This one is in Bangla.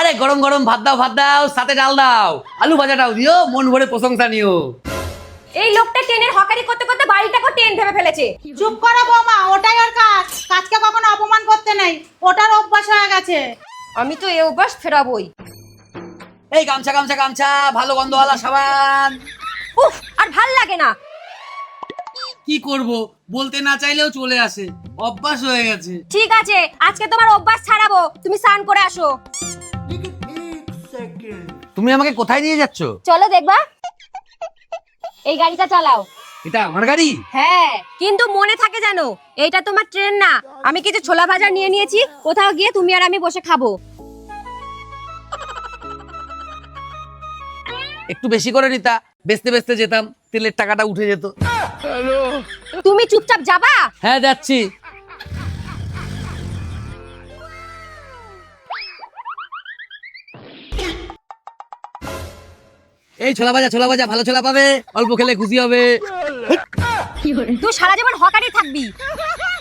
আরে গরম গরম ভাত দাও সাথে ডাল দাও, আলু ভাজাটাও দিও, মন ভরে প্রশংসা নিও। এই লোকটা ট্রেনের হকারি করতে করতে বাড়িটাকে ট্রেন ভেবে ফেলেছে। চুপ করো বৌমা, ওটাই ওর কাজ। কাজকে কখনো অপমান করতে নেই, ওটার অভ্যাস হয়ে গেছে। আমি তো এই অভ্যাস ফেরাবই। এই গামছা গামছা গামছা, ভালো গন্ধওয়ালা সাবান। উফ, আর ভাল লাগে না। কি করব, বলতে না চাইলেও চলে আসে, অভ্যাস হয়ে গেছে। ঠিক আছে, আজকে তোমার অভ্যাস ছাড়াবো, তুমি স্নান করে আসো। তুমি আমাকে কোথায় নিয়ে যাচ্ছ? চলো দেখবা। এই গাড়িটা চালাও। এটা আমার গাড়ি? হ্যাঁ, কিন্তু মনে থাকে জানো, এইটা তোমার ট্রেন না। আমি কিছু ছোলা ভাজা নিয়ে নিয়েছি, কোথাও গিয়ে তুমি আর আমি বসে খাবো। একটু বেশি করে নিতা, বেচতে বেচতে যেতাম, তেলের টাকাটা উঠে যেত। তুমি চুপচাপ যাবা। হ্যাঁ যাচ্ছি। এই ছোলা ভাজা, ভালো ছোলা পাবে, অল্প খেলে খুশি হবে। তুই সারা জীবন হকারি থাকবি।